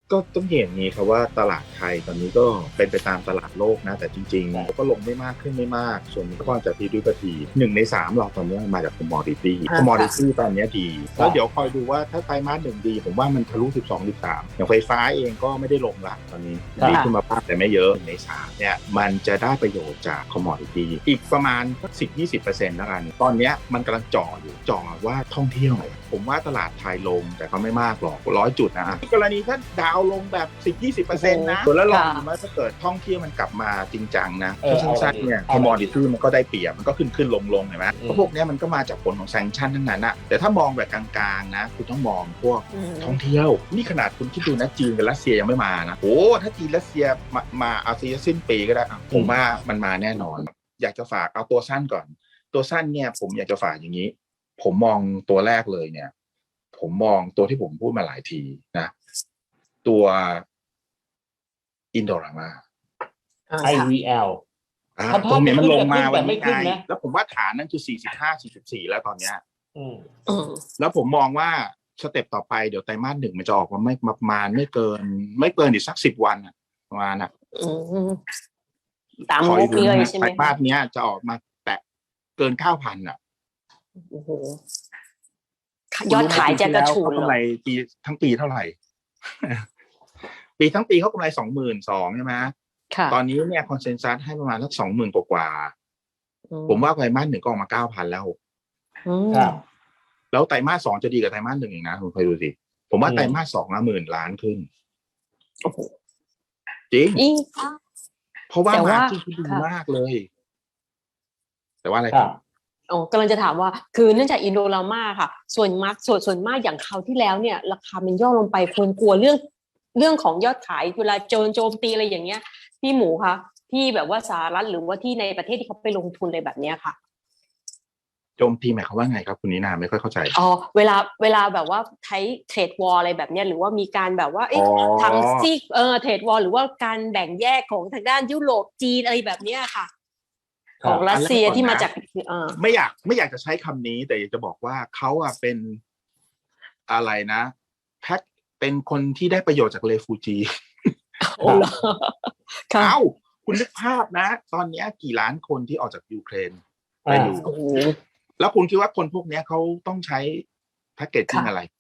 ก็ต้องเห็นอย่างนี้ครับว่าตลาดไทยตอนนี้ก็เป็นไปตามตลาดโลกนะแต่จริงๆก็ลงไม่มากขึ้นไม่มากส่วนก็มาจากที่ด้วยปที1 ใน 3เราตอนนี้มาจากคอมมอดิตี้ตอนนี้ดีแล้วเดี๋ยวคอยดูว่าถ้าไตรมาส 1ดีผมว่ามันทะลุ12 13อย่างไฟฟ้าเองก็ไม่ได้ลงละตอนนี้ดีขึ้นมาบ้างแต่ไม่เยอะ1 ใน 3เนี่ยมันจะได้ประโยชน์จากคอมมอดิตี้อีกประมาณ 10-20% แล้วกันตอนนี้มันกำลังจ่อว่าท่องเที่ยวผมว่าตลาดไทยลงแต่ก็ไม่มากหรอก100 จุดนะกรณีถ้าดาวลงแบบ 10-20% นะแล้วลองดูว่าถ้าเกิดท่องเที่ยวมันกลับมาจริงจังนะสั้นๆเนี่ยคอมมอดิตี้มันก็ได้เปรียบมันก็ขึ้นลงเห็นไหมเพราะพวกนี้มันก็มาจากผลของแซงชั่นทั้งนั้นอะแต่ถ้ามองแบบกลางๆนะคุณต้องมองพวกท่องเที่ยวนี่ขนาดคุณคิดดูนะจีนกับรัสเซียยังไม่มานะโอ้ถ้าจีนรัสเซียมาเอาซีสิ้นปีก็ได้ผมว่ามันมาแน่นอนอยากจะฝากเอาตัวสั้นก่อนตัวสั้นเนี่ยผมอยากจะฝากอย่างนี้ผมมองตัวแรกเลยเนี่ยผมมองตัวที่ผมพูดมาหลายทีนะตัวอินโดรามา IVL ตรงนี้มันลงมาวันนี้ไงแล้วผมว่าฐานนั่นคือ45-44แล้วตอนเนี้ยแล้วผมมองว่าสเต็ปต่อไปเดี๋ยวไตรมาส 1มันจะออกมาไม่ประมาณไม่เกินอีกสัก10 วันประมาณน่ะตามงบเลยใช่ไหมไตรมาสเนี้ยจะออกมาแตะเกิน 9,000 อ่ะโอ้โหยอดขายจะกระฉูดกำไรปีทั้งปีเท่าไหร่ ปีทั้งปีเขากำไร 22,000 ใช่ไหมตอนนี้เนี่ยคอนเซนแซสให้ประมาณสัก 20,000 กว่าผมว่าไตรมาส 1ก็ออกมา 9,000 แล้วแล้วไตรมาส 2จะดีกว่าไตรมาส 1อีกนะคุณเคยดูสิผมว่าไตรมาส 2 10,000 ล้านขึ้นโอ้โหจริงเพราะว่ามาร์จิ้นดีมากเลยแต่ว่าอะไรครับกำลังจะถามว่าคือเนื่องจากอินโดรามาค่ะส่วนมากอย่างคราวที่แล้วเนี่ยราคามันย่อลงไปคนกลัวเรื่องของยอดขายเวลาโจมตีอะไรอย่างเงี้ยพี่หมูคะที่แบบว่าสหรัฐหรือว่าที่ในประเทศที่เขาไปลงทุนอะไรแบบเนี้ยค่ะโจมตีหมายความว่าไงครับคุณนินาไม่ค่อยเข้าใจเวลาแบบว่าใช้เทรดวอร์อะไรแบบเนี้ยหรือว่ามีการแบบว่าทำซีเทรดวอร์หรือว่าการแบ่งแยกของทางด้านยุโรปจีนอะไรแบบเนี้ยค่ะของรัสเซียที่มาจากไม่อยากจะใช้คำนี้แต่อยากจะบอกว่าเขาเป็นอะไรนะแพ็คเป็นคนที่ได้ประโยชน์จากเรฟูจีคุณนึกภาพนะตอนนี้กี่ล้านคนที่ออกจากยูเครนไปอยู่แล้วคุณคิดว่าคนพวกนี้เขาต้องใช้แพ็กเกจจิ้งอะไร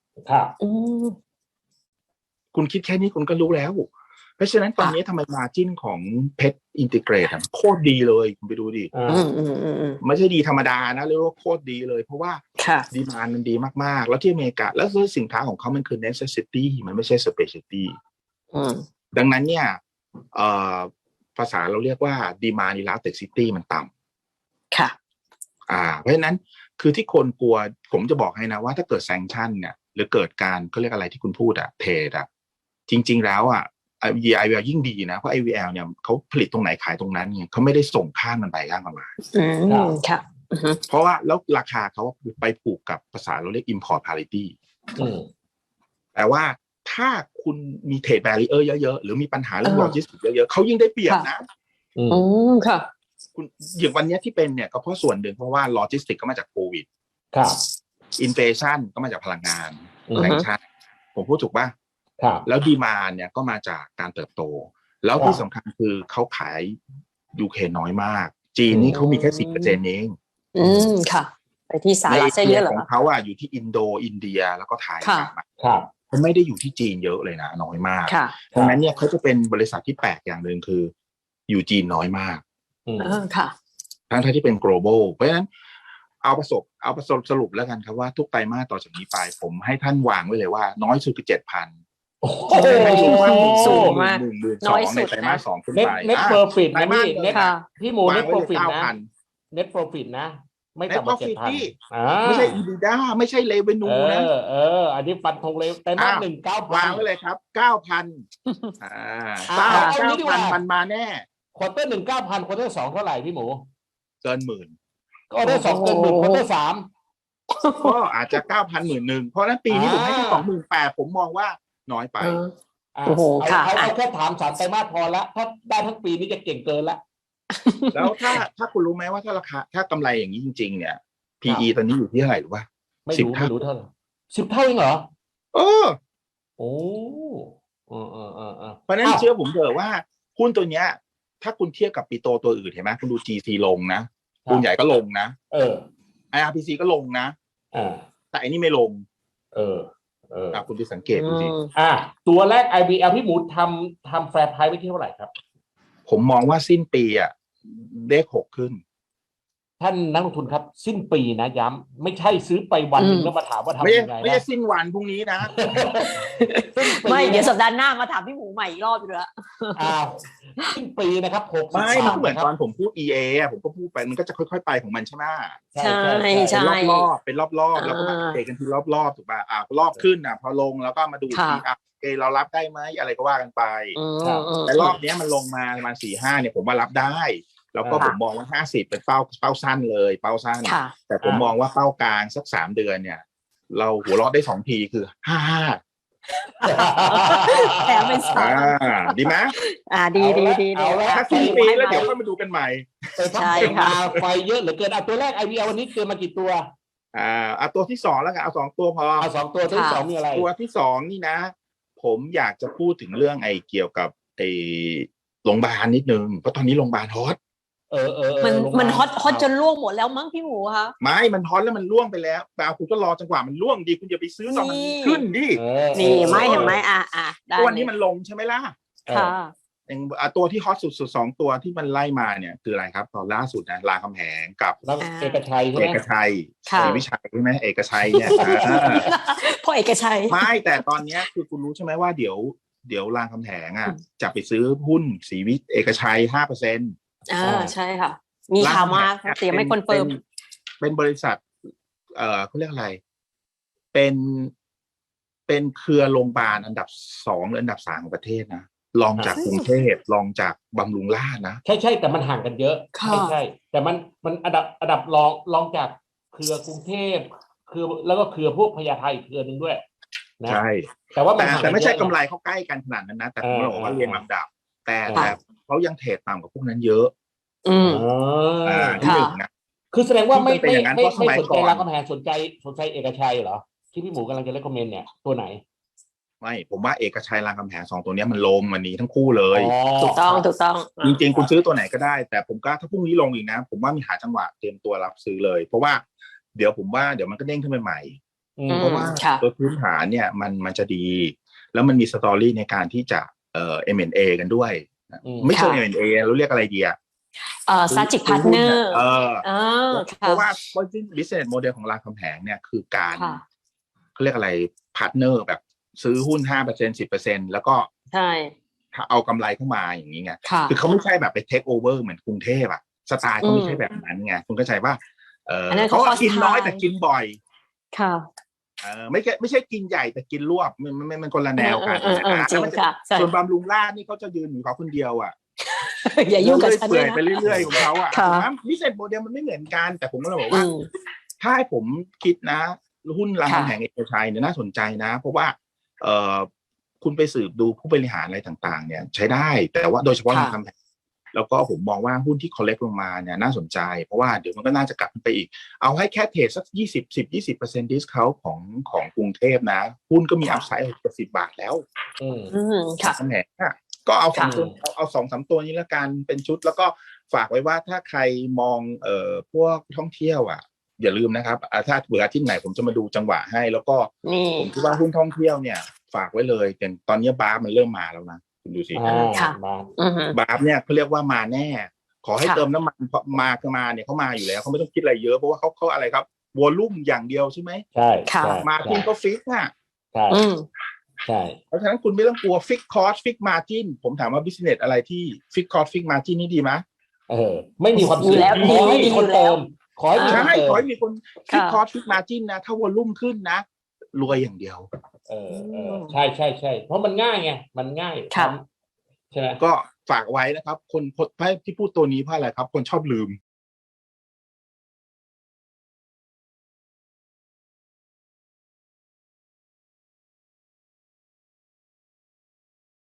คุณคิดแค่นี้คุณก็รู้แล้วเพราะฉะนั้นตอนนี้ทำไมมาจิ้นของเพชรอินทิเกรตโคตรดีเลยคุณไปดูดิไม่ใช่ดีธรรมดานะเรียกว่าโคตรดีเลยเพราะว่าดีมานด์มันดีมากๆแล้วที่อเมริกาแล้วสินค้าของเขามันคือ necessity มันไม่ใช่ specialty ดังนั้นเนี่ยภาษาเราเรียกว่า demand elasticity มันต่ำค่ะเพราะฉะนั้นคือที่คนกลัวผมจะบอกให้นะว่าถ้าเกิดแซงชั่นเนี่ยหรือเกิดการเขาเรียกอะไรที่คุณพูดเทรดจริงๆแล้วIVL ยิ่งดีนะเพราะ IVL เนี่ยเขาผลิตตรงไหนขายตรงนั้นเนี่ยเขาไม่ได้ส่งข้ามมันไปข้ามมาค่ะเพราะว่าแล้วราคาเขาไปผูกกับภาษาเราเรียก import parity แต่ว่าถ้าคุณมีเทรดแบรีเออร์เยอะๆหรือมีปัญหาเรื่องโลจิสติกส์เยอะๆเขายิ่งได้เปรียบนะค่ะคุณอย่างวันนี้ที่เป็นเนี่ยก็เพราะส่วนหนึ่งเพราะว่าโลจิสติกก็มาจากโควิดอินเฟชั่นก็มาจากพลังงานแรงชาติผมพูดถูกป่ะแล้วดีมานด์เนี่ยก็มาจากการเติบโตแล้วที่สำคัญคือเขาขายยูเครนน้อยมากจีนนี่เขามีแค่ 10% เองค่ะไปที่สหรัฐเยอะเหรอของเขาอยู่ที่อินเดียแล้วก็ไทยเขาไม่ได้อยู่ที่จีนเยอะเลยนะน้อยมากดังนั้นเนี่ยเขาจะเป็นบริษัทที่แปลกอย่างหนึ่งคืออยู่จีนน้อยมากค่ะทั้งที่เป็น global เพราะฉะนั้นเอาประสบสรุปแล้วกันครับว่าทุกไตรมาสต่อจากนี้ไปผมให้ท่านวางไว้เลยว่าน้อยสุดคือ 7,000 สูงมากน้อยสุดในไตรมาส 2ขึ้นไปเน็ตโปรฟิตนะพี่หมูเน็ตโปรฟิตนะเน็ตโปรฟิตนะไม่ต่ำกว่า 7,000 ไม่ใช่ EBITDA ไม่ใช่ revenue นะอันนี้ฟันธงเลยไตรมาส 1 9,000 วางไว้เลยครับ 9,000 9,000 มันมาแน่ควอเตอร์ 1 9,000 ควอเตอร์ 2เท่าไหร่พี่หมูเกินหมื่นควอเตอร์ 2เกินหมื่นควอเตอร์ 3 ก็อาจจะ 9,000 11,000เพราะนั้นปีนี้ผมให้แค่ 28,000 ผมมองว่าน้อยไปเอาแค่ถาม3ไตรมาสพอแล้วถ้าได้ทั้งปีนี้จะเก่งเกินแล้วแล้วถ้าคุณรู้ไหมว่าถ้าราคาถ้ากำไรอย่างนี้จริงๆเนี่ย PE ตอนนี้อยู่ที่เท่าไหร่หรือว่าไม่รู้เท่าไหร่10 เท่าเองเหรอโอ้เพราะฉะนั้นเชื่อผมเถอะว่าหุ้นตัวเนี้ยถ้าคุณเทียบกับปีโตตัวอื่นเห็นไหมคุณดู GC ลงนะปูนใหญ่ก็ลงนะIRPC ก็ลงนะแต่อันนี้ไม่ลงคุณไปสังเกตดูสิตัวแรก IBL พี่หมูทำแฟร์ไพรซ์ไว้ที่เท่าไหร่ครับผมมองว่าสิ้นปีเลข6ขึ้นท่านนักลงทุนครับสิ้นปีนะย้ำไม่ใช่ซื้อไปวันนึงแล้วมาถามว่าทำยังไงนะไม่ใช่สิ้นวันพรุ่งนี้นะไม่เดี๋ยวสัปดาห์หน้ามาถามพี่หมูใหม่อีกรอบอยู่แล้วสิ้นปีนะครับไม่เหมือนตอนผมพูด EA ผมก็พูดไปมันก็จะค่อยๆไปของมันใช่ไหมใช่รอบๆเป็นรอบๆแล้วก็มาเตะกันทีรอบๆถูกป่ะรอบขึ้นพอลงแล้วก็มาดูทีเรารับได้ไหมอะไรก็ว่ากันไปแต่รอบนี้มันลงมาประมาณ 4-5 เนี่ยผมว่ารับได้แล้วก็ผมมองว่า50เป็นเป้าสั้นเลยเป้าสั้นแต่ผมมองว่าเป้ากลางสัก3เดือนเนี่ยเราหัวเราะได้2ทีคือ55 แถมเป็นดีไหมดีถ้าสิ้นปีแล้วเดี๋ยวค่อยมาดูกันใหม่ใช่ค่ะไฟเยอะเหลือเกินตัวแรก IVL วันนี้เกินมากี่ตัวตัวที่2แล้วกันเอา2ตัวพอเอา2ตัวที่2มีอะไรตัวที่2นี่นะผมอยากจะพูดถึงเรื่องเกี่ยวกับโรงพยาบาลนิดนึงเพราะตอนนี้โรงพยาบาลฮอตมันฮอตจนล่วงหมดแล้วมั้งพี่หมูคะไม่มันฮอตแล้วมันล่วงไปแล้วแต่คุณก็รอจังหวะมันล่วงดีคุณอย่าไปซื้อตอนมันขึ้นดินี่ไม่เห็นไหมวันนี้มันลงใช่ไหมล่ะค่ะตัวที่ฮอตสุด2ตัวที่มันไล่มาเนี่ยคืออะไรครับตอนล่าสุดนะรามคำแหงกับเอกชัยใช่ไหมเอกชัยศรีวิชัยใช่ไหมเอกชัยเนี่ยเพราะเอกชัยไม่แต่ตอนนี้คือคุณรู้ใช่ไหมว่าเดี๋ยวรามคำแหงจะไปซื้อหุ้นศรีวิเอกชัย 5% ใช่ค่ะมีข่าวมาแต่ยังไม่คอนเฟิร์มเป็นบริษัทเขาเรียกอะไรเป็นเครือโรงพยาบาลอันดับ2หรืออันดับ3ของประเทศนะรองจากกรุงเทพรองจากบำรุงราษฎร์นะใช่แต่มันห่างกันเยอะใช่แต่มันอันดับรองจากเครือกรุงเทพคือแล้วก็เครือพวกพญาไทเครือนึงด้วยนะใช่แต่ไม่ใช่กำไรเขาใกล้กันขนาดนั้นนะแต่ผมบอกว่าเรียงลำดับแต่เขายังเทรดต่ำกว่าพวกนั้นเยอะที่หนึ่งนะคือแสดงว่าไม่สนใจรามคำแหงสนใจเอกชัยเหรอที่พี่หมูกำลังจะเล่นคอมเมนต์เนี่ยตัวไหนไม่ผมว่าเอกชัยรามคำแหง2ตัวนี้มันลงวันนี้ทั้งคู่เลยถูกต้องจริงๆคุณซื้อตัวไหนก็ได้แต่ผมก็ถ้าพรุ่งนี้ลงอีกนะผมว่ามีหาจังหวะเตรียมตัวรับซื้อเลยเพราะว่าเดี๋ยวมันก็เด้งขึ้นไปใหม่เพราะว่าตัวพื้นฐานเนี่ยมันจะดีแล้วมันมีสตอรี่ในการที่จะM&A กันด้วยไม่ใช่ M&A เราเรียกอะไรดี strategic partner เพราะว่า business model ของรามคำแหงเนี่ยคือการเขาเรียกอะไร partner แบบซื้อหุ้น 5% 10% แล้วก็ใช่เอากำไรเข้ามาอย่างนี้ไงคือเขาไม่ใช่แบบไป take over เหมือนกรุงเทพสไตล์เขาไม่ใช่แบบนั้นไงคุณเข้าใจว่าเขากินน้อยแต่กินบ่อยค่ะไม่ใช่กินใหญ่แต่กินรวบมันคนละแนวกันส่วนบำรุงราษฎร์นี่เขาจะยืนอยู่เขาคนเดียวอย่ายุ่งกับฉันไปเรื่อยๆของเขาวิสัยโมเดลมันไม่เหมือนกันแต่ผมก็เลยบอกว่าถ้าให้ผมคิดนะหุ้นรามคำแหงเอกชัยเนี่ยน่าสนใจนะเพราะว่าคุณไปสืบดูผู้บริหารอะไรต่างๆเนี่ยใช้ได้แต่ว่าโดยเฉพาะรามคำแหงแล้วก็ผมมองว่าหุ้นที่คอลเลกต์ลงมาเนี่ยน่าสนใจเพราะว่าเดี๋ยวมันก็น่าจะกลับไปอีกเอาให้แค่เทรดสัก20% discount ของกรุงเทพนะหุ้นก็มีอัพไซด์10 บาทแล้วค่ะคำแหงก็เอา2-3 ตัวนี้ละกันเป็นชุดแล้วก็ฝากไว้ว่าถ้าใครมองพวกท่องเที่ยวอย่าลืมนะครับถ้าเบื่อที่ไหนผมจะมาดูจังหวะให้แล้วก็ผมคิดว่าหุ้นท่องเที่ยวเนี่ยฝากไว้เลยแต่ตอนนี้บาร์มันเริ่มมาแล้วนะคุณดูสิบาร์เนี่ยเขาเรียกว่ามาแน่ขอให้เติมน้ำมันมาเนี่ยเขามาอยู่แล้วเขาไม่ต้องคิดอะไรเยอะเพราะว่าเขาอะไรครับวอลลุ่มอย่างเดียวใช่ไหมใช่มาทินก็ฟิกใช่เพราะฉะนั้นคุณไม่ต้องกลัวฟิกคอสฟิกมาจินผมถามว่าบิสเนสอะไรที่ฟิกคอสฟิกมาจินนี่ดีไหมไม่มีความเสี่ยงขอให้มีคนเติมขอให้มีคนฟิกคอสฟิกมาจินนะถ้าวอลลุ่มขึ้นนะรวยอย่างเดียวใช่เพราะมันง่ายไงมันง่ายใช่ไหมก็ฝากไว้นะครับคนที่พูดตัวนี้เพราะอะไรครับคนชอบลืม